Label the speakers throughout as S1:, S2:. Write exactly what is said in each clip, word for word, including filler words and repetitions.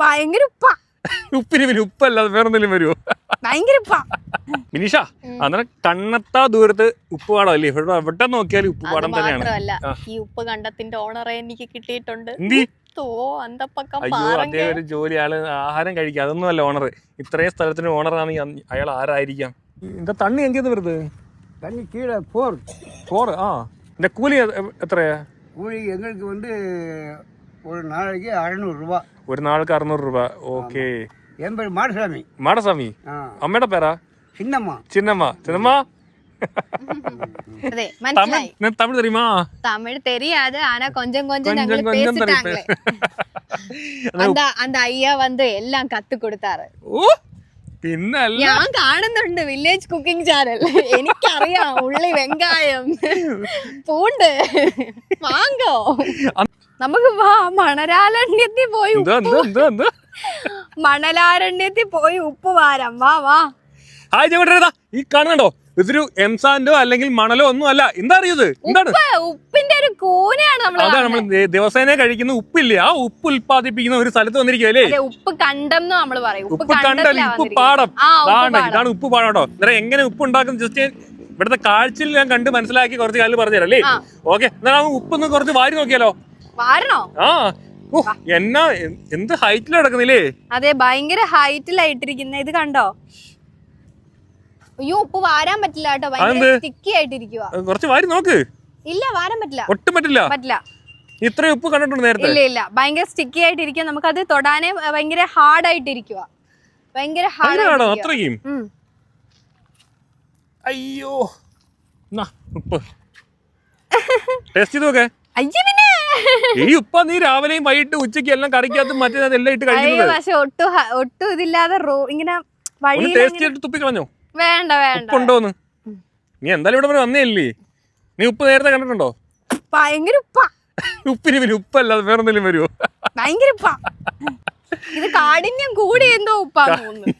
S1: ഭയങ്കര ഉപ്പ.
S2: ഉപ്പിന് പിന്നെ ഉപ്പല്ലാതെ വേറെന്തെങ്കിലും വരുമോ?
S1: ഭയങ്കര ഉപ്പ.
S2: മിനിഷ അന്നേരം കണ്ണെത്താ ദൂരത്ത് ഉപ്പ് പാടം അല്ലേ? ഇവിടെ എവിടെ നോക്കിയാലും ഉപ്പ് പാടം തന്നെയാണ്.
S1: ഈ ഉപ്പ് കണ്ടത്തിന്റെ ഓണറെ എനിക്ക് കിട്ടിയിട്ടുണ്ട്.
S2: അയ്യോ, അദ്ദേഹം ഒരു ജോലി, ആള് ആഹാരം കഴിക്കുക, അതൊന്നും അല്ല ഓണർ. ഇത്രയും സ്ഥലത്തിന് ഓണറാണെങ്കിൽ അയാൾ ആരായിരിക്കാം? എന്താ തണ്ണി എങ്കിയത് വരുന്നത്?
S3: தண்ணி கீழே போர்
S2: போர் ஆ இந்த கூலி எത്രയാ?
S3: கூலி எங்களுக்கு வந்து ஒரு நாளைக்கு அறுநூறுபா.
S2: ഒരു നാൾക്ക് അറുന്നൂറ് രൂപ. ഓക്കെ.
S3: என் பேர் மாடசாமி.
S2: മാടസ്വാമി. അമ്മയുടെ പേരാ?
S3: சின்னம்மா.
S2: ചിന്നമ്മ. ചിന്നമ്മ
S1: അതെ, മനസ്സിലായി.
S2: തമിഴ് தெரியுமா?
S1: തമിഴ് தெரியாது, ஆனா கொஞ்சம் கொஞ்சம் ഞങ്ങൾ பேசிட்டாங்களே. அந்த அந்த ஐயா வந்து எல்லாம் கத்து கொடுத்தாரு.
S2: ഓ പിന്നല്ല,
S1: ഞാൻ കാണുന്നുണ്ട് വില്ലേജ് കുക്കിംഗ് ചാനൽ. എനിക്കറിയാം ഉള്ളി, വെങ്കായം, പൂണ്ട് വാങ്ങോ. നമുക്ക് വാ മണലാരണ്യത്തിൽ പോയി മണലാരണ്യത്തിൽ പോയി ഉപ്പ് വാരാം. വാ വാ.
S2: ഹായ് ചേട്ടാ, ഈ കാണുന്നുണ്ടോ? ഇതൊരു എംസാൻഡോ അല്ലെങ്കിൽ മണലോ ഒന്നും അല്ല. എന്താ അറിയത്? എന്താണ്?
S1: ഉപ്പിന്റെ ഒരു കൂനയാണ്.
S2: അതാണ് നമ്മൾ ദിവസേന കഴിക്കുന്ന ഉപ്പില്ലേ, ആ ഉപ്പ് ഉൽപ്പാദിപ്പിക്കുന്ന ഒരു സ്ഥലത്ത് വന്നിരിക്കുവല്ലേ.
S1: ഉപ്പ് കണ്ടം നമ്മൾ പറയും.
S2: ഉപ്പ് കണ്ടല്ല, ഉപ്പ് പാടം. ഇതാണ് ഉപ്പ് പാടം കേട്ടോ. അന്നേരം എങ്ങനെ ഉപ്പ് ഉണ്ടാക്കുന്ന ജസ്റ്റ് ഇവിടുത്തെ കാഴ്ചയിൽ ഞാൻ കണ്ട് മനസ്സിലാക്കി കുറച്ച് കാര്യം പറഞ്ഞുതരാം അല്ലേ? ഓക്കെ, എന്നാലും ഉപ്പൊന്ന് കുറച്ച് വാരി നോക്കിയാലോ?
S1: വാരണോ? ആ,
S2: എന്നാ എന്ത് ഹൈറ്റിൽ കിടക്കുന്നില്ലേ?
S1: അതെ, ഭയങ്കര ഹൈറ്റിലായിട്ടിരിക്കുന്ന. ഇത് കണ്ടോ? അയ്യോ, ഉപ്പ് വാരാൻ പറ്റില്ല കേട്ടോ, ഭയങ്കര സ്റ്റിക്കി ആയിട്ടിരിക്കുക.
S2: കുറച്ച് വാരി നോക്ക്.
S1: ഇല്ല, വാരാൻ പറ്റില്ല.
S2: ഒട്ടും പറ്റില്ല.
S1: പറ്റില്ല.
S2: ഇത്രയും ഉപ്പ് കണ്ടിട്ടുണ്ട് നേരത്തെ?
S1: ഇല്ല ഇല്ല, ഭയങ്കര സ്റ്റിക്കി ആയിട്ടിരിക്കുക. നമുക്കത് തൊടാനേ ഭയങ്കര ഹാർഡ് ആയിട്ടിരിക്കുക. ഭയങ്കര ഹാർഡ്.
S2: അത്രയും? അയ്യോ, ഉപ്പ് ടേസ്റ്റ് ചെയ്ത് നോക്കേ. ഈ ഉപ്പ നീ രാവിലെയും വൈകിട്ട് ഉച്ചയ്ക്ക് എല്ലാം കറിക്കകത്തും മറ്റേതെല്ലാം ഇട്ട് കഴിക്കുന്നത്.
S1: പക്ഷെ ഒട്ടും ഒട്ടും ഇതില്ലാതെ ഇങ്ങനെ വഴി
S2: ടേസ്റ്റ് ചെയ്തിട്ട് തുപ്പി കളഞ്ഞോ?
S1: വേണ്ട വേണ്ട.
S2: ഉപ്പുണ്ടോന്ന് നീ എന്തായാലും ഇവിടെ വരെ വന്നേല്ലേ? നീ ഉപ്പ് നേരത്തെ കണ്ടിട്ടുണ്ടോ?
S1: ഭയങ്കര ഉപ്പ.
S2: ഉപ്പിന് പിന്നെ ഉപ്പല്ലാതെ വേറെന്തെങ്കിലും വരുമോ?
S1: ഭയങ്കര ഉപ്പ. ഇത് കാഠിന്യം കൂടി എന്തോ ഉപ്പാന്ന് തോന്നുന്നു.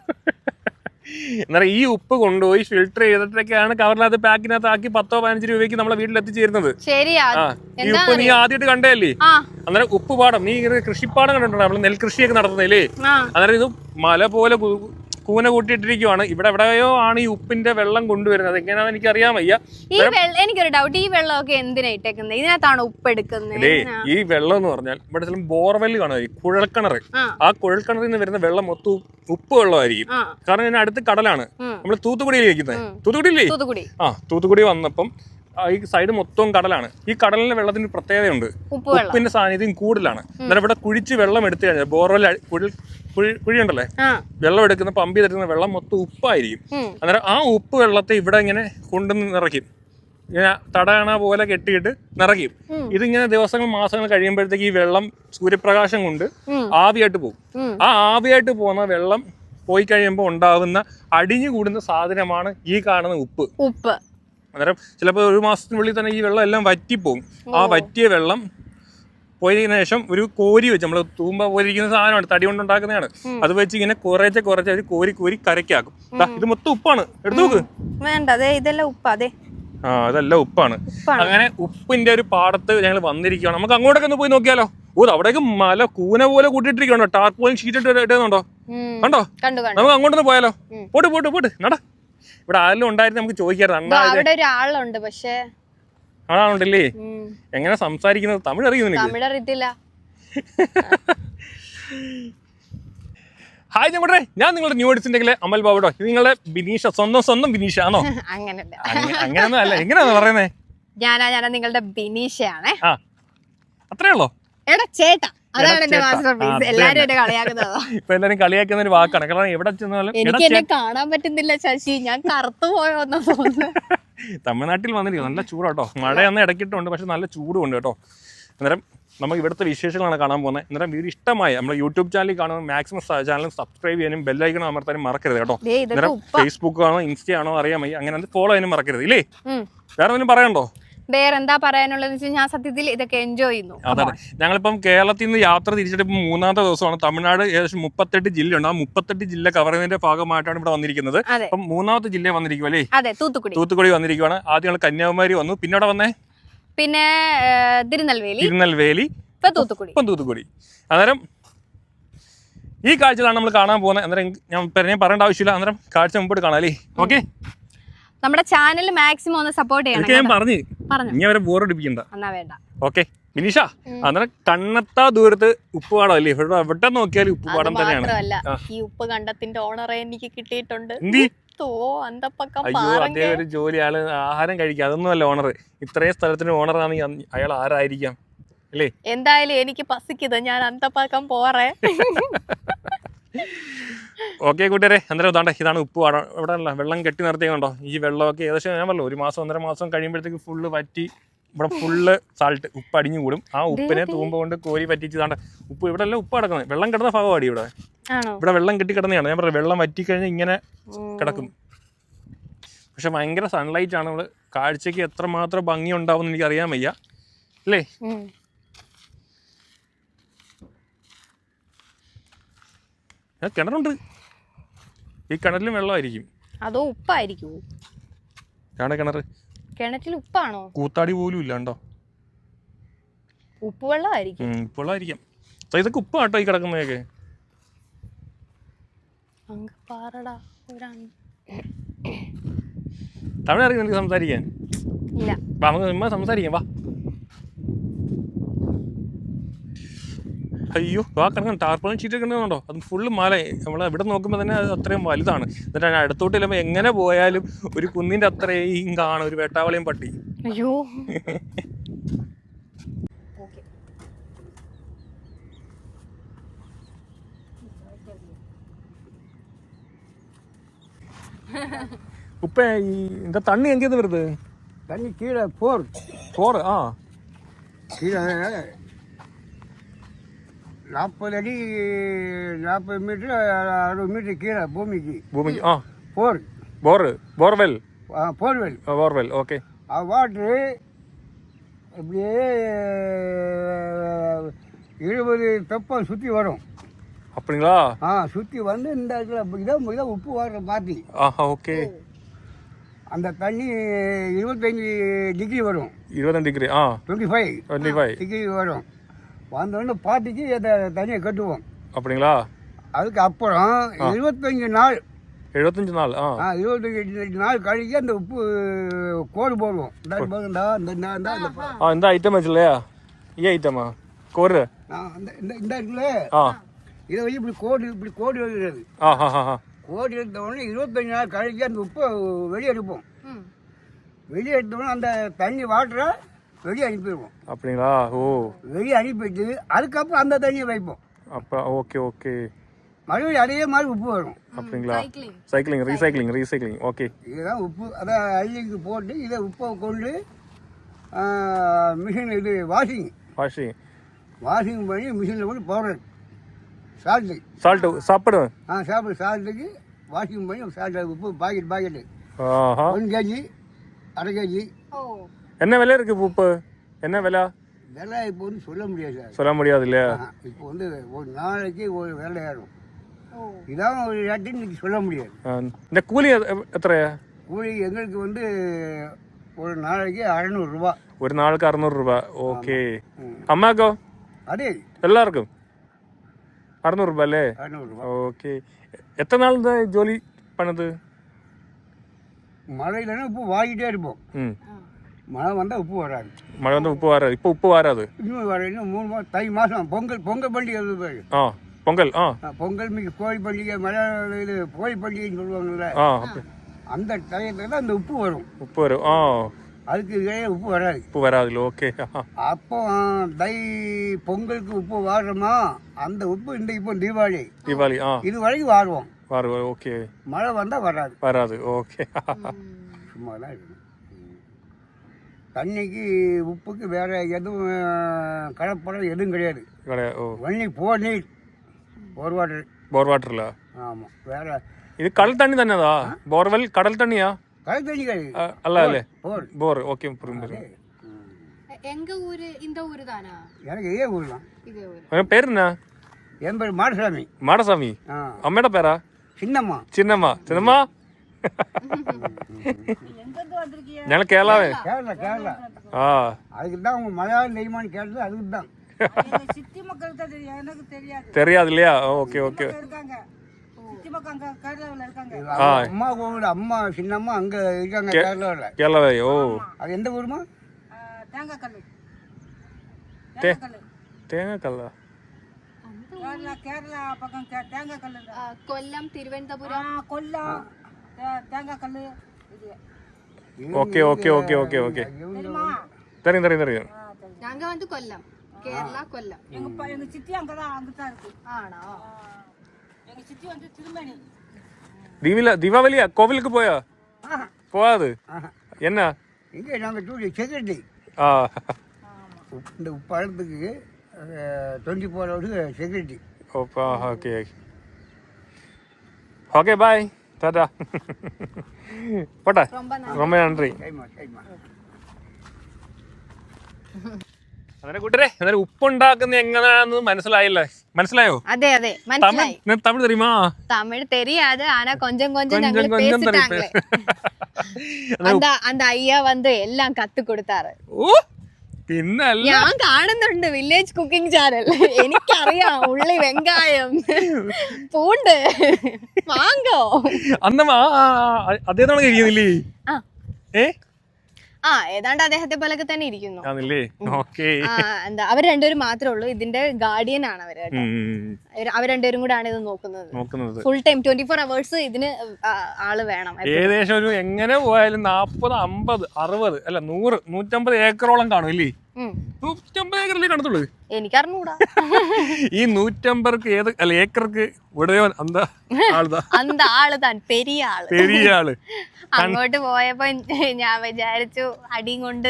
S2: എന്നാൽ ഈ ഉപ്പ് കൊണ്ടുപോയി ഫിൽട്ടർ ചെയ്തിട്ടൊക്കെയാണ് കവറിനകത്ത് പാക്കിനകത്ത് ആക്കി പത്തോ പതിനഞ്ച് രൂപയ്ക്ക് നമ്മളെ വീട്ടിൽ എത്തിച്ചേരുന്നത്. ഈ ഉപ്പ് നീ ആദ്യമായിട്ട് കണ്ടല്ലേ? അന്നേരം ഉപ്പ് പാടം, നീ കൃഷിപ്പാടം കണ്ടിട്ടുണ്ടോ? നമ്മള് നെൽകൃഷിയൊക്കെ നടത്തുന്നില്ലേ? അന്നേരം ഇത് മല പോലെ കൂന കൂട്ടിയിട്ടിരിക്കുവാണ്. ഇവിടെ എവിടെയോ ആണ് ഈ ഉപ്പിന്റെ വെള്ളം കൊണ്ടുവരുന്നത്. എങ്ങനെയാണെന്ന് എനിക്ക് അറിയാൻ വയ്യ.
S1: ഈ എനിക്കൊരു ഡൗട്ട്, ഈ വെള്ളമൊക്കെ എന്തിനാ ഇട്ടേക്കുന്നത്? ഇതിനകത്താണ് ഉപ്പ് എടുക്കുന്നത്?
S2: ഈ വെള്ളം എന്ന് പറഞ്ഞാൽ ഇവിടെ ചില ബോർവെല് കാണുമായിരിക്കും, കുഴൽക്കിണർ. ആ കുഴൽക്കിണറിൽ നിന്ന് വരുന്ന വെള്ളം മൊത്തം ഉപ്പ് വെള്ളമായിരിക്കും. കാരണം ഇതിന് അടുത്ത് കടലാണ്. നമ്മൾ തൂത്തുക്കുടിയിൽ ഇരിക്കുന്നത്. തൂത്തുക്കുടിയില്ലേ? ആ, തൂത്തുക്കുടി വന്നപ്പം ഈ സൈഡ് മൊത്തവും കടലാണ്. ഈ കടലിലെ വെള്ളത്തിന് പ്രത്യേകതയുണ്ട്, ഉപ്പിന്റെ സാന്നിധ്യം കൂടുതലാണ്. എന്നാൽ ഇവിടെ കുഴിച്ച് വെള്ളം എടുത്തു കഴിഞ്ഞാൽ ബോർവെൽ കുഴി കുഴിയുണ്ടല്ലേ, വെള്ളം എടുക്കുന്ന പമ്പ് ചെയ്തെടുക്കുന്ന വെള്ളം മൊത്തം ഉപ്പായിരിക്കും. അന്നേരം ആ ഉപ്പ് വെള്ളത്തെ ഇവിടെ ഇങ്ങനെ കൊണ്ടുവന്ന് നിറയ്ക്കും. ഇങ്ങനെ തടയണ പോലെ കെട്ടിയിട്ട് നിറയ്ക്കും. ഇതിങ്ങനെ ദിവസങ്ങൾ മാസങ്ങൾ കഴിയുമ്പോഴത്തേക്ക് ഈ വെള്ളം സൂര്യപ്രകാശം കൊണ്ട് ആവിയായിട്ട് പോകും. ആ ആവിയായിട്ട് പോകുന്ന വെള്ളം പോയി കഴിയുമ്പോൾ ഉണ്ടാകുന്ന അടിഞ്ഞു കൂടുന്ന സാധനമാണ് ഈ കാണുന്ന ഉപ്പ്.
S1: ഉപ്പ്
S2: അന്നേരം ചിലപ്പോൾ ഒരു മാസത്തിനുള്ളിൽ തന്നെ ഈ വെള്ളം എല്ലാം വറ്റിപ്പോകും. ആ വറ്റിയ വെള്ളം പോയതിനു ശേഷം ഒരു കോരി വെച്ച്, നമ്മൾ തൂമ്പ പോയിരിക്കുന്ന സാധനമാണ്, തടി കൊണ്ടുണ്ടാക്കുന്നതാണ്. അത് വെച്ച് ഇങ്ങനെ കുറേശ്ശെ കുറച്ച് ഒരു കോരി കോരി കരക്കാക്കും. ഇത് മൊത്തം ഉപ്പാണ്, എടുത്തു നോക്ക്.
S1: വേണ്ട, അതെ ഇതെല്ലാം ഉപ്പ്. അതെ,
S2: ആ അതെല്ലാം ഉപ്പാണ്. അങ്ങനെ ഉപ്പിന്റെ ഒരു പാടത്ത് ഞങ്ങൾ വന്നിരിക്കുകയാണ്. നമുക്ക് അങ്ങോട്ടൊക്കെ ഒന്ന് പോയി നോക്കിയാലോ? ഓ, അവിടേക്ക് മല കൂന പോലെ കൂട്ടിയിട്ടിരിക്കണോ, ടാർപോളിൻ ഷീറ്റ് ഇട്ട് ഇടുന്നുണ്ടോ? കണ്ടോ? നമുക്ക് അങ്ങോട്ടൊന്ന് പോയാലോ? പോട്ട് പോട്ട് പോട്ട് നട. ഇവിടെ ആരെങ്കിലും ഉണ്ടായിരുന്നു നമുക്ക് ചോദിക്കാറുണ്ട്.
S1: ഒരാളുണ്ട്, പക്ഷേ
S2: ആണാണുണ്ടല്ലേ? എങ്ങനെ സംസാരിക്കുന്നത്? തമിഴ് അറിയുന്നില്ല.
S1: തമിഴ് അറിയത്തില്ല.
S2: ഹായ് ഞങ്ങളുടെ, ഞാൻ നിങ്ങളുടെ ന്യൂ എഡിസിന്റെ അമൽ ബാബുടോ. ഇത് നിങ്ങളുടെ ബിനീഷ, സ്വന്തം സ്വന്തം ബിനീഷ ആണോ? അങ്ങനെയൊന്നും അല്ല. എങ്ങനെയാന്ന് പറയുന്നേ?
S1: ഞാനാ ഞാനാ നിങ്ങളുടെ ബിനീഷയാണേ.
S2: ആ, അത്രേ ഉള്ളോ?
S1: എടാ ചേട്ടാ, അതാണ് എന്റെ മാസ്റ്റർ പീസ്. എല്ലാരും എന്നെ കളിയാക്കുന്നതാ.
S2: ഇപ്പൊ എല്ലാരും കളിയാക്കുന്ന ഒരു വാക്കാണ്. കാരണം എവിടെ ചെന്നാലും
S1: എനിക്ക് എന്നെ കാണാൻ പറ്റുന്നില്ല ശശി, ഞാൻ കറുത്തു പോയോന്നാ തോന്നുന്നു.
S2: തമിഴ്നാട്ടിൽ വന്നിരിക്കും, നല്ല ചൂടാട്ടോ. മഴയൊന്നും ഇടയ്ക്കിട്ടുണ്ട്, പക്ഷെ നല്ല ചൂടും ഉണ്ട് കേട്ടോ. അന്നേരം നമുക്ക് ഇവിടുത്തെ വിശേഷങ്ങളാണ് കാണാൻ പോകുന്നത്. അന്നേരം വീഡിയോ ഇഷ്ടമായി നമ്മുടെ യൂട്യൂബ് ചാനലിൽ കാണുമ്പോൾ മാക്സിമം ചാനൽ സബ്സ്ക്രൈബ് ചെയ്യാനും ബെല്ലൈക്കണം അമർത്താനും മറക്കരുത് കേട്ടോ. അന്നേരം ഫേസ്ബുക്ക് ആണോ ഇൻസ്റ്റ ആണോ അറിയാൻ വയ്യ, അങ്ങനെ ഫോളോ ചെയ്യാനും മറക്കരുത് ഇല്ലേ? വേറെ എന്തെങ്കിലും പറയണ്ടോ?
S1: വേറെന്താ പറയാനുള്ളതെന്ന് വെച്ചാൽ ഞാൻ സത്യത്തിൽ ഇതൊക്കെ എൻജോയ് ചെയ്യുന്നു.
S2: അതാണ്, ഞങ്ങളിപ്പം കേരളത്തിൽ നിന്ന് യാത്ര തിരിച്ചിട്ട് ഇപ്പം മൂന്നാമത്തെ ദിവസമാണ്. തമിഴ്നാട് ഏകദേശം മുപ്പത്തെട്ട് ജില്ലയുണ്ട്. ആ മുപ്പത്തെട്ട് ജില്ല കവർ ചെയ്യുന്നതിന്റെ ഭാഗമായിട്ടാണ് ഇവിടെ വന്നിരിക്കുന്നത്. അപ്പം മൂന്നാമത്തെ ജില്ല വന്നിരിക്കും അല്ലേ?
S1: അതെ, തൂത്തുക്കുടി.
S2: തൂത്തുക്കുടി വന്നിരിക്കുവാണ്. ആദ്യം ഞങ്ങൾ കന്യാകുമാരി വന്നു, പിന്നെ അവിടെ വന്നേ
S1: പിന്നെ തിരുനെൽവേലി
S2: തിരുനെൽവേലി
S1: ഇപ്പം തൂത്തുക്കുടി.
S2: ഇപ്പം തൂത്തുക്കുടി. അന്നേരം ഈ കാഴ്ചകളാണ് നമ്മൾ കാണാൻ പോകുന്നത്. അന്നേരം ഞാൻ ഞാൻ പറയേണ്ട ആവശ്യമില്ല, അന്നേരം കാഴ്ച മുമ്പോട്ട് കാണാം അല്ലേ? ഓക്കെ, നമ്മുടെ
S1: ചാനൽ മാക്സിമം ഒന്ന് സപ്പോർട്ട് ചെയ്യണം.
S2: ഞാൻ പറഞ്ഞു ഇനി അവരെ ബോറടിപ്പിക്കണ്ട.
S1: എന്നാ വേണ്ട.
S2: ഓക്കെ ബിനീഷ, അന്നേരം കണ്ണെത്താ ദൂരത്ത് ഉപ്പുപാടം അല്ലേ? ഇവിടെ എവിടെ നോക്കിയാലും ഉപ്പുപാടം തന്നെയാണ്.
S1: ഈ ഉപ്പ് കണ്ടത്തിന്റെ ഓണറെ എനിക്ക് കിട്ടിയിട്ടുണ്ട്.
S2: അയ്യോ, അതേ ഒരു ജോലി, ആള് ആഹാരം കഴിക്കുക, അതൊന്നും അല്ല ഓണർ. ഇത്രയും സ്ഥലത്തിന് ഓണറാണെങ്കിൽ അയാൾ ആരായിരിക്കാം അല്ലേ?
S1: എന്തായാലും എനിക്ക് പസിക്കുന്നത്, ഞാൻ അന്തപ്പാക്കം പോറേ.
S2: ഓക്കെ കൂട്ടുകാരെ, അന്നേരം ഇതാണ്ട് ഇതാണ് ഉപ്പ് പാടം. ഇവിടെ അല്ല വെള്ളം കെട്ടി നിർത്തിയുണ്ടോ? ഈ വെള്ളമൊക്കെ ഏകദേശം ഞാൻ പറഞ്ഞു ഒരു മാസം ഒന്നര മാസം കഴിയുമ്പോഴത്തേക്ക് ഫുള്ള് വറ്റി ഇവിടെ ഫുള്ള് സാൾട്ട് ഉപ്പ് അടിഞ്ഞു കൂടും. ആ ഉപ്പിനെ തൂമ്പ കൊണ്ട് കോരി പറ്റിച്ചതാണ്ട് ഉപ്പ് ഇവിടെ അല്ല ഉപ്പ് കിടക്കുന്നത്, വെള്ളം കിടന്ന ഭാഗമാണ് ഇവിടെ. ഇവിടെ വെള്ളം കെട്ടി കിടന്നതാണ്. ഞാൻ പറഞ്ഞു വെള്ളം വറ്റി കഴിഞ്ഞാൽ ഇങ്ങനെ കിടക്കും. പക്ഷെ ഭയങ്കര സൺലൈറ്റ് ആണ്. നമ്മള് കാഴ്ചക്ക് എത്രമാത്രം ഭംഗി ഉണ്ടാവും എനിക്ക് അറിയാൻ വയ്യ അല്ലേ? കിണറുണ്ട്, ഈ കിണറ്റിലും വെള്ളമായിരിക്കും.
S1: അതോ ഉപ്പായിരിക്കും?
S2: കിണർ
S1: കിണറ്റിൽ ഉപ്പാണോ?
S2: കൂത്താടി പോലും ഇല്ലാണ്ടോ?
S1: ഉപ്പ് വെള്ളമായിരിക്കും.
S2: ഉപ്പ് വെള്ളമായിരിക്കാം. ഇതൊക്കെ ഉപ്പ് കേട്ടോ ഈ കിടക്കുന്നതൊക്കെ. തമിഴ് അറിയാം നിനക്ക് സംസാരിക്കാൻ?
S1: ഇല്ല.
S2: നമുക്ക് സംസാരിക്കാം വാ. അയ്യോ ആ കിടക്കണം ടാർപ്പളും ഷീറ്റ് കിടക്കുന്നുണ്ടോ? അത് ഫുള്ള് മല. നമ്മൾ ഇവിടെ നോക്കുമ്പോൾ തന്നെ അത് അത്രയും വലുതാണ്. എന്നിട്ട് അടുത്തോട്ട് ചെല്ലുമ്പോൾ എങ്ങനെ പോയാലും ഒരു കുന്നിൻ്റെ അത്രയും കാണും ഒരു വേട്ടാവളിയും പട്ടി.
S1: അയ്യോ
S2: ഉപ്പ ഈ இந்த தண்ணி எங்கேருந்து வருது?
S3: தண்ணி கீழே போர்
S2: போர் ஆ
S3: கீழே நாற்பது அடி நாற்பது மீட்டர் அறுபது மீட்டர் கீழே பூமிக்கு
S2: பூமிக்கு ஆ
S3: போர்
S2: போர் போர்வெல்
S3: ஆ போர்வெல்
S2: போர்வெல் ஓகே.
S3: ஆ வாட்ரு அப்படியே இருபது தெப்பம் சுற்றி வரும்.
S2: அப்படிங்களா?
S3: ஆ சுற்றி வந்து இந்த இடத்துல இதான் இதான் உப்பு வாடுற பாத்தி.
S2: ஆஹா ஓகே.
S3: அந்த தண்ணி இருபத்தஞ்சி டிகிரி வரும்.
S2: இருபத்தஞ்சு டிகிரி ஆ
S3: twenty five
S2: twenty five
S3: degree வரும். வந்தோடனே பாட்டிக்கு அந்த தண்ணியை கட்டுவோம்.
S2: அப்படிங்களா?
S3: அதுக்கு அப்புறம் இருபத்தஞ்சு நாள்
S2: எழுபத்தஞ்சு நாள் ஆ
S3: இருபத்தஞ்சு நாள் கழிச்சு அந்த உப்பு கோடு போடுவோம்.
S2: இந்த ஐட்டம் வச்சு இல்லையா? ഈ ഐറ്റമാ കോര്
S3: அந்த இந்த இந்த இருக்குல்ல
S2: ஆ
S3: இதை வச்சு இப்படி கோடு இப்படி கோடு எழுதுறது.
S2: ஆ ஆ ஆ
S3: கோடு எடுத்த உடனே இருபத்தஞ்சு நாள் கழிச்சு அந்த உப்பை வெளியே எடுப்போம். வெளியே எடுத்தோடனே அந்த தண்ணி வாட்டரை வெளியே அனுப்பிடுவோம்.
S2: அப்படிங்களா? ஓ
S3: வெளியே அனுப்பிட்டு அதுக்கப்புறம் அந்த தண்ணியை வைப்போம்.
S2: அப்போ ஓகே ஓகே.
S3: மறுபடியும் அதே மாதிரி உப்பு வரும்.
S2: அப்படிங்களா? Cycling recycling recycling okay.
S3: இதுதான் உப்பு. அதை அள்ளிக்கு போட்டு இதை உப்பை கொண்டு மிஷின் இது வாஷிங்
S2: வாஷிங்
S3: வாஷிங் பண்ணி மிஷினில் போட்டு பவுடர் சால்ட்டு
S2: சால்ட்டு சாப்பிடுவேன்
S3: ஆ சாப்பிடு சால்ட்டுக்கு வாஷிங் பண்ணி சால்ட்டு உப்பு பாக்கெட் பாக்கெட்டு
S2: ஆஹா
S3: ஒன் கேஜி அரை கேஜி.
S2: என்ன விலை இருக்கு உப்பு? என்ன விலை?
S3: விலை இப்போ வந்து சொல்ல முடியாது சார்.
S2: சொல்ல முடியாது இல்லையா?
S3: இப்போ வந்து ஒரு நாளைக்கு ஒரு விலை ஏறும். இதான் ஒரு ரேட்டு இன்னைக்கு சொல்ல முடியாது.
S2: இந்த கூலி எத்தனையா?
S3: கூலி எங்களுக்கு வந்து ஒரு நாளைக்கு அறநூறுரூவா.
S2: ஒரு நாளுக்கு அறுநூறு ரூபாய் ஓகே. அம்மாக்கோ?
S3: அதே
S2: எல்லாருக்கும் அறுநூறு ரூபாய் அല്ലേ?
S3: அறநூறுரூவா
S2: ஓகே. எத்தனை நாள் இந்த ஜோலி பண்ணது?
S3: மழையிலன்னா உப்பு வாங்கிட்டே இருப்போம்.
S2: ம்
S3: மழை வந்தால் உப்பு வராது.
S2: மழை வந்து உப்பு வராது. இப்போ உப்பு வராது.
S3: இன்னும் வர இன்னும் மூணு மாதம் தை மாதம் பொங்கல் பொங்கல் பண்டிகை வருது.
S2: ஆ பொங்கல் ஆ
S3: பொங்கல் மிக கோழி பண்டிகை மலையாள இது கோழி பண்டிகைன்னு சொல்லுவாங்கல்ல,
S2: ஆ
S3: அந்த டயத்தில் தான் அந்த உப்பு வரும்.
S2: உப்பு வரும் ஆ
S3: அதுக்கு இடையே உப்பு வராது.
S2: உப்பு வராது ஓகே.
S3: அப்போ தை பொங்கலுக்கு உப்பு வாடுறோமா அந்த உப்பு இந்த இப்போ தீபாவளி
S2: தீபாவளி ஆ
S3: இது வரைக்கும் வாடுவோம்.
S2: வரும் ஓகே.
S3: மழை வந்தால் வராது
S2: வராது ஓகே.
S3: சும்மா தான் இருக்கணும். தண்ணிக்கு உப்புக்கு வேற எதுவும் கலப்படம் எதுவும் கிடையாது.
S2: கிடையாது.
S3: ஒன்லி போர் நீர் போர் வாட்டர்.
S2: போர் வாட்டர்ல
S3: ஆமாம். வேற
S2: இது கடல் தண்ணி தானேதா? போர்வெல் கடல் தண்ணியா?
S3: கடல் தண்ணி கிடையாது.
S2: அல்ல அல்ல
S3: போர்
S2: போர் ஓகே புரியுது.
S1: எங்க ஊரு இந்த ஊரு தானா?
S3: எனக்கு இதே ஊர் தான்.
S1: இதே ஊரு.
S2: உன் பேர் என்ன?
S3: என் பேர் மாடசாமி.
S2: மாடசாமி அம்மையோட பேரா?
S3: சின்னம்மா.
S2: சின்னம்மா சின்னம்மா ഞങ്ങൾ കേരളാവേ.
S3: கேரளா கேரளா
S2: ആ
S3: அதுக்கு தான் உங்க மலையாளம் தெரியுமான்னு கேட்டது அதுக்கு தான். சித்தி மக்கள் தான் தெரியும், எனக்கு தெரியாது.
S2: தெரியாது இல்லையா? Okay okay.
S3: இருக்காங்க சித்தி மக்கள் அங்க கேரளாவில் இருக்காங்க.
S2: ஆ
S3: அம்மா கோவில் அம்மா சின்னம்மா அங்க இருக்காங்க கேரளாவில்.
S2: கேரளா. ஓ
S3: அது எந்த ஊருமா? தேங்காய் கல்.
S2: தேங்காய் கல்லா?
S3: கேரளா கேரளா பக்கம் தேங்காய் கல்.
S1: കൊല്ലം, തിരുവനന്തപുരം.
S3: கொல்லம் தேங்காய் கல்.
S2: Okay okay okay okay okay. தெரியும் தெரியும் தெரியும்.
S1: நாங்க வந்து கொல்லம், கேரளா கொல்லம்.
S3: எங்க எங்க சித்தி அங்கதான் அங்கதான் இருக்கு.
S1: ஆണോ?
S3: எங்க சித்தி வந்து திருமணி.
S2: தீவில தீபாவளியா கோவிலுக்கு போயா? போகாது. என்ன
S3: இங்கே நாங்கள் டூ செக்யூரிட்டி.
S2: ஆ
S3: இந்த பழத்துக்கு டுவெண்ட்டி ஃபோர் ஹவர்ஸு செக்யூரிட்டி.
S2: ஓப்பா ஓகே ஓகே பாய் டாடா. போட்டா ரொம்ப நன்றி. അങ്ങനെ കൂട്ടരെ എന്നാലും ഉപ്പുണ്ടാക്കുന്ന എങ്ങനെയാണെന്ന് മനസ്സിലായില്ലേ? മനസ്സിലായോ?
S1: അതെ അതെ മനസ്സിലായി.
S2: തമിഴ് தெரியுமா?
S1: தமிழ் தெரியாது, ஆனா கொஞ்சம் கொஞ்சம் ഞങ്ങൾ பேசிட்டாங்களே. அந்த அந்த ஐயா வந்து எல்லாம் கத்து கொடுத்தாரு.
S2: ഓ പിന്നല്ല,
S1: ഞാൻ കാണുന്നുണ്ട് വില്ലേജ് കുക്കിംഗ് ചാനൽ. എനിക്കറിയാം ഉള്ളി, വെങ്കായം, പൂണ്ട് വാങ്ങോ.
S2: അന്നമ്മ അതേതാണ് കഴിയുന്നില്ലേ? ഏ
S1: ആ ഏതാണ്ട് അദ്ദേഹത്തെ പോലൊക്കെ തന്നെ ഇരിക്കുന്നു.
S2: എന്താ
S1: അവർ രണ്ടുപേരും മാത്രമേ ഉള്ളൂ, ഇതിന്റെ ഗാർഡിയൻ ആണ് അവര്. അവർ രണ്ടുപേരും കൂടെ ആണ് ഇത് നോക്കുന്നത്. Full time twenty four hours ഇതിന് ആള് വേണം.
S2: ഏകദേശം ഒരു എങ്ങനെ പോയാലും നാപ്പത് അമ്പത് അറുപത് അല്ല നൂറ് നൂറ്റമ്പത് ഏക്കറോളം കാണും ഇല്ലേ? നൂറ്റമ്പത് ഏക്കറല്ലേ കാണത്തുള്ളൂ?
S1: എനിക്കറിഞ്ഞൂടാ.
S2: ഈ നൂറ്റമ്പത് ഏത് അല്ല ഏക്കർക്ക് ഉടയോൻ അന്ത ആളുതാ
S1: അന്ത ആള് താൻ പെരിയ ആള്
S2: പെരിയ ആള്.
S1: അങ്ങോട്ട് പോയപ്പോ ഞാൻ വിചാരിച്ചു അടിയും കൊണ്ട്.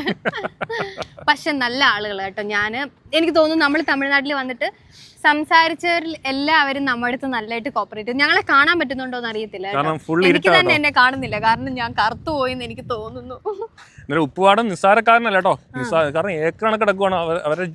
S1: പക്ഷെ നല്ല ആളുകൾ കേട്ടോ. ഞാന് എനിക്ക് തോന്നുന്നു നമ്മൾ തമിഴ്നാട്ടിൽ വന്നിട്ട് സംസാരിച്ചവരിൽ എല്ലാവരും നമ്മുടെ അടുത്ത് നല്ലതായിട്ട് കോപ്പറേറ്റ് ചെയ്തു. ഞങ്ങളെ കാണാൻ പറ്റുന്നുണ്ടോന്ന് അറിയത്തില്ല. എനിക്ക് തന്നെ എന്നെ കാണുന്നില്ല, കാരണം ഞാൻ കറുത്തു പോയിന്ന് എനിക്ക് തോന്നുന്നു.
S2: ഉപ്പുപാടം നിസ്സാരക്കാരനല്ല കേട്ടോ, കാരണം ഏക്കർ കണക്ക് കിടക്കുവാണ് അവരുടെ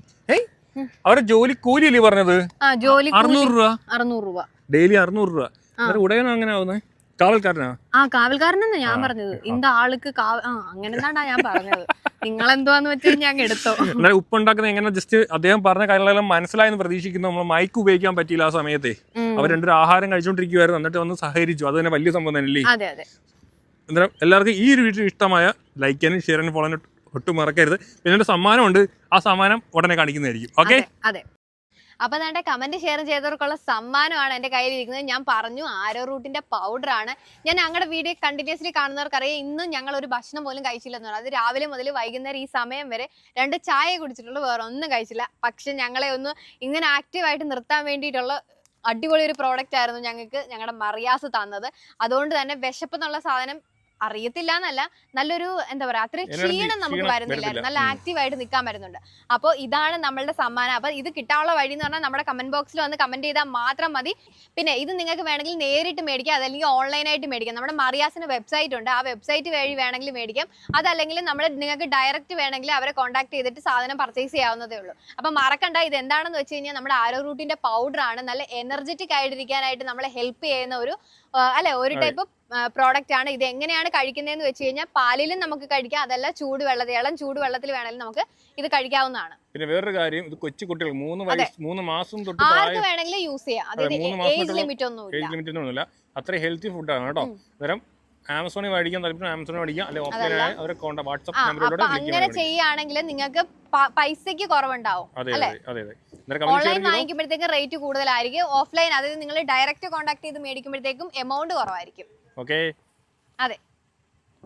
S2: അവരുടെ ജോലി കൂലിയല്ലേ പറഞ്ഞത്?
S1: ജോലി
S2: അറുന്നൂറ് രൂപ
S1: അറുന്നൂറ് രൂപ
S2: ഡെയിലി അറുന്നൂറ് രൂപ. ഉടയനോ അങ്ങനെ ആവുന്നത്? കാവൽക്കാരനാ?
S1: ആ കാവൽക്കാരനെന്നാ ഞാൻ പറഞ്ഞത്. ഇന്ത ആൾക്ക് ആ അങ്ങനെ എന്താണ്ടാ ഞാൻ പറഞ്ഞത്. നിങ്ങളെന്തുവാന്ന് വെച്ചാൽ ഞാൻ എടുത്തോ.
S2: എന്നാലും ഉപ്പുണ്ടാക്കുന്നത് എങ്ങനെ ജസ്റ്റ് അദ്ദേഹം പറഞ്ഞ കാര്യങ്ങളെല്ലാം മനസ്സിലായെന്ന് പ്രതീക്ഷിക്കുന്നു. നമ്മൾ മൈക്ക് ഉപയോഗിക്കാൻ പറ്റിയില്ല ആ സമയത്തെ. അവർ രണ്ടൊരു ആഹാരം കഴിച്ചുകൊണ്ടിരിക്കുവായിരുന്നു, എന്നിട്ട് വന്ന് സഹകരിച്ചു. അത് തന്നെ വലിയ സംഭവം തന്നെയല്ലേ?
S1: അതെ അതെ.
S2: എന്തായാലും എല്ലാവർക്കും ഈ ഒരു വീഡിയോ ഇഷ്ടമായ ലൈക്ക് ചെയ്യാനും ഷെയർ ചെയ്യാനും ഫോളോ ചെയ്യാനും ഒട്ടും മറക്കരുത്. പിന്നെ ഒരു സമ്മാനമുണ്ട്, ആ സമ്മാനം ഉടനെ കാണിക്കുന്നതായിരിക്കും. ഓക്കെ
S1: അതെ. അപ്പൊ നമ്മുടെ കമന്റ് ഷെയർ ചെയ്തവർക്കുള്ള സമ്മാനമാണ് എന്റെ കയ്യിലിരിക്കുന്നത്. ഞാൻ പറഞ്ഞു ആരോ റൂട്ടിന്റെ പൗഡർ ആണ്. ഞാൻ ഞങ്ങളുടെ വീഡിയോ കണ്ടിന്യൂസ്ലി കാണുന്നവർക്കറിയാം, ഇന്നും ഞങ്ങൾ ഒരു ഭക്ഷണം പോലും കഴിച്ചില്ലെന്ന് പറഞ്ഞു. അത് രാവിലെ മുതൽ വൈകുന്നേരം ഈ സമയം വരെ രണ്ട് ചായ കുടിച്ചിട്ടുള്ളൂ, വേറെ ഒന്നും കഴിച്ചില്ല. പക്ഷെ ഞങ്ങളെ ഒന്ന് ഇങ്ങനെ ആക്റ്റീവായിട്ട് നിർത്താൻ വേണ്ടിയിട്ടുള്ള അടിപൊളി ഒരു പ്രോഡക്റ്റ് ആയിരുന്നു ഞങ്ങൾക്ക് ഞങ്ങളുടെ മറിയാസ് തന്നത്. അതുകൊണ്ട് തന്നെ വിശപ്പ് എന്നുള്ള സാധനം അറിയത്തില്ല എന്നല്ല, നല്ലൊരു എന്താ പറയാ അത്രയും ക്ഷീണം നമുക്ക് വരുന്നില്ലായിരുന്നു, നല്ല ആക്റ്റീവായിട്ട് നിൽക്കാൻ പറ്റുന്നുണ്ട്. അപ്പോൾ ഇതാണ് നമ്മളുടെ സമ്മാനം. അപ്പോൾ ഇത് കിട്ടാനുള്ള വഴി എന്ന് പറഞ്ഞാൽ നമ്മുടെ കമന്റ് ബോക്സിൽ വന്ന് കമന്റ് ചെയ്താൽ മാത്രം മതി. പിന്നെ ഇത് നിങ്ങൾക്ക് വേണമെങ്കിൽ നേരിട്ട് മേടിക്കാം, അതല്ലെങ്കിൽ ഓൺലൈനായിട്ട് മേടിക്കാം. നമ്മുടെ മറിയാസിന് വെബ്സൈറ്റ് ഉണ്ട്, ആ വെബ്സൈറ്റ് വഴി വേണമെങ്കിൽ മേടിക്കാം. അതല്ലെങ്കിൽ നമ്മൾ നിങ്ങൾക്ക് ഡയറക്റ്റ് വേണമെങ്കിൽ അവരെ കോൺടാക്ട് ചെയ്തിട്ട് സാധനം പർച്ചേസ് ചെയ്യാവുന്നതേ ഉള്ളൂ. അപ്പം മറക്കണ്ട, ഇത് എന്താണെന്ന് വെച്ച് കഴിഞ്ഞാൽ നമ്മുടെ ആരോ റൂട്ടിന്റെ പൗഡർ ആണ്. നല്ല എനർജറ്റിക് ആയിട്ടിരിക്കാനായിട്ട് നമ്മളെ ഹെൽപ്പ് ചെയ്യുന്ന ഒരു അല്ലെ ഒരു ടൈപ്പ് പ്രോഡക്റ്റ് ആണ്. ഇത് എങ്ങനെയാണ് കഴിക്കുന്നതെന്ന് വെച്ച് കഴിഞ്ഞാൽ പാലിലും നമുക്ക് കഴിക്കാം, അതല്ല ചൂടുവെള്ളത്തിൽ ഇളം ചൂടുവെള്ളത്തിൽ വേണമെങ്കിലും നമുക്ക് ഇത് കഴിക്കാവുന്നതാണ്.
S2: പിന്നെ വേറൊരു കാര്യം, ഇത് കൊച്ചു കുട്ടികൾ മൂന്ന് വയസ്സ് മൂന്ന് മാസം തൊട്ട്
S1: ആർക്ക് വേണമെങ്കിലും യൂസ് ചെയ്യാം. അതായത് ഏജ് ലിമിറ്റ് ഒന്നുമില്ല.
S2: അത്ര ഹെൽത്തി ഫുഡാണ് കേട്ടോ. അന്നേരം ആമസോണിൽ മേടിക്കാൻ താല്പര്യം ആമസോണിൽ മേടിക്കാം, അല്ലെങ്കിൽ ഓഫ്ലൈനായി അവരെ വാട്സ്ആപ്പ് നമ്പറിലൂടെ
S1: അങ്ങനെ ചെയ്യുകയാണെങ്കിൽ നിങ്ങൾക്ക് പൈസക്ക് കുറവുണ്ടാവും. ഓൺലൈൻ വാങ്ങിക്കുമ്പോഴത്തേക്കും റേറ്റ് കൂടുതലായിരിക്കും, ഓഫ്ലൈൻ അതായത് നിങ്ങൾ ഡയറക്റ്റ് കോൺടാക്ട് ചെയ്ത് മേടിക്കുമ്പോഴത്തേക്കും എമൗണ്ട് കുറവായിരിക്കും.
S2: ഓക്കെ
S1: അതെ.